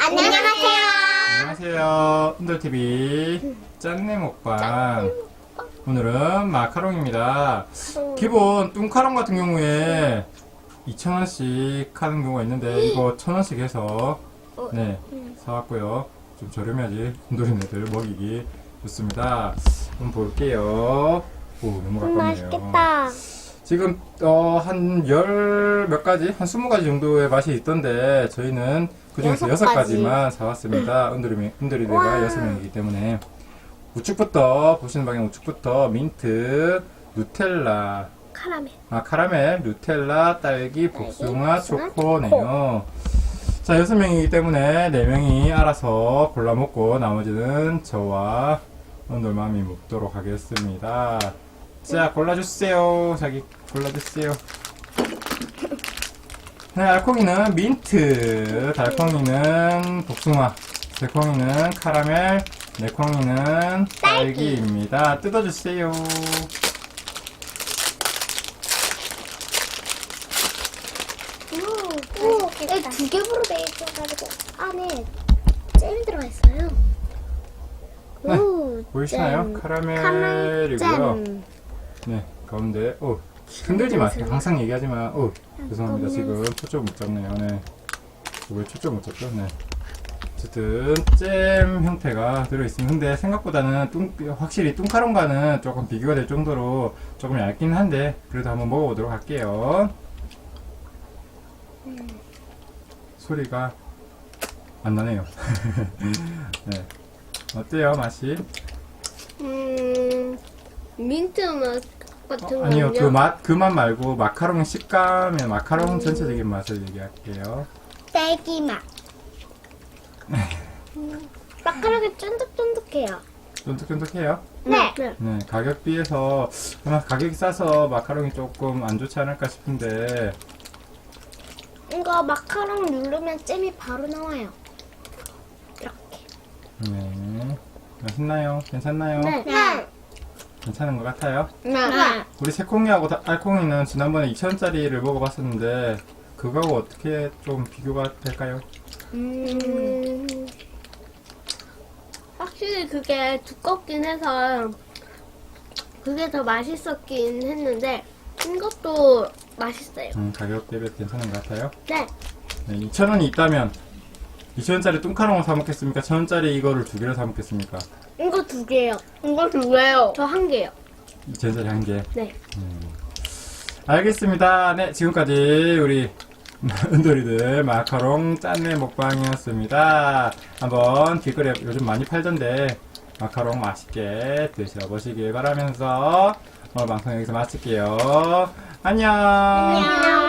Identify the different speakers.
Speaker 1: 안녕하세요.
Speaker 2: 안녕하세요. 흔들TV 짠내 먹방. 오늘은 마카롱입니다. 기본 뚱카롱 같은 경우에 2,000원씩 하는 경우가 있는데 이거 1,000원씩 해서 네 사왔고요. 좀 저렴해야지 흔들이네들 먹이기 좋습니다. 한번 볼게요. 오, 너무 가깝네요.
Speaker 1: 맛있겠다.
Speaker 2: 지금 한 열 몇 가지? 한 20가지 정도의 맛이 있던데 저희는 그 중에서 6가지만 사왔습니다. 은돌이들가
Speaker 1: 와.
Speaker 2: 6명이기 때문에 우측부터 보시는 방향 우측부터 민트, 누텔라, 카라멜, 누텔라, 딸기, 복숭아, 초코네요. 자, 6명이기 때문에 4명이 알아서 골라 먹고 나머지는 저와 은돌맘이 먹도록 하겠습니다. 자, 골라주세요. 자기 골라주세요. 네, 알콩이는 민트, 달콩이는 복숭아, 새콩이는 카라멜, 네콩이는 딸기입니다. 뜯어주세요.
Speaker 1: 네, 두 겹으로 돼 있어가지고 안에 잼 들어가 있어요.
Speaker 2: 네,
Speaker 1: 오,
Speaker 2: 보이시나요?
Speaker 1: 잼.
Speaker 2: 카라멜이고요.
Speaker 1: 잼.
Speaker 2: 네, 가운데, 흔들지 마세요. 항상 얘기하지만, 죄송합니다. 지금 초점 못 잡네요. 네. 왜 초점 못 잡죠? 네. 어쨌든, 잼 형태가 들어있습니다. 근데 생각보다는 확실히 뚱카롱과는 조금 비교가 될 정도로 조금 얇긴 한데, 그래도 한번 먹어보도록 할게요. 소리가 안 나네요. 네. 어때요, 맛이?
Speaker 1: 민트 맛 같은
Speaker 2: 아니요,
Speaker 1: 거요?
Speaker 2: 그 맛 말고 마카롱의 식감에 마카롱 전체적인 맛을 얘기할게요.
Speaker 1: 딸기 맛. 마카롱이 쫀득쫀득해요.
Speaker 2: 쫀득쫀득해요.
Speaker 1: 네.
Speaker 2: 네, 가격 비해서 아마 가격이 싸서 마카롱이 조금 안 좋지 않을까 싶은데,
Speaker 1: 이거 마카롱 누르면 잼이 바로 나와요. 이렇게.
Speaker 2: 네. 맛있나요? 괜찮나요?
Speaker 1: 네.
Speaker 2: 괜찮은 것 같아요.
Speaker 1: 네.
Speaker 2: 우리 새콩이하고 알콩이는 지난번에 2,000원짜리를 먹어봤었는데, 그거하고 어떻게 좀 비교가 될까요?
Speaker 3: 확실히 그게 두껍긴 해서 그게 더 맛있었긴 했는데 이것도 맛있어요.
Speaker 2: 가격 대비 괜찮은 것 같아요.
Speaker 3: 네.
Speaker 2: 네, 2,000원이 있다면 2,000원짜리 뚱카롱을 사 먹겠습니까? 1,000원짜리 이거를 2개를 사 먹겠습니까?
Speaker 3: 이거 2개요.
Speaker 1: 이거 두 개요.
Speaker 3: 저 1개요.
Speaker 2: 2,000원짜리 1개.
Speaker 3: 네.
Speaker 2: 알겠습니다. 네, 지금까지 우리 은돌이들 마카롱 짠내 먹방이었습니다. 한번 길거리에 요즘 많이 팔던데 마카롱 맛있게 드셔보시길 바라면서 오늘 방송 여기서 마칠게요. 안녕.
Speaker 1: 안녕.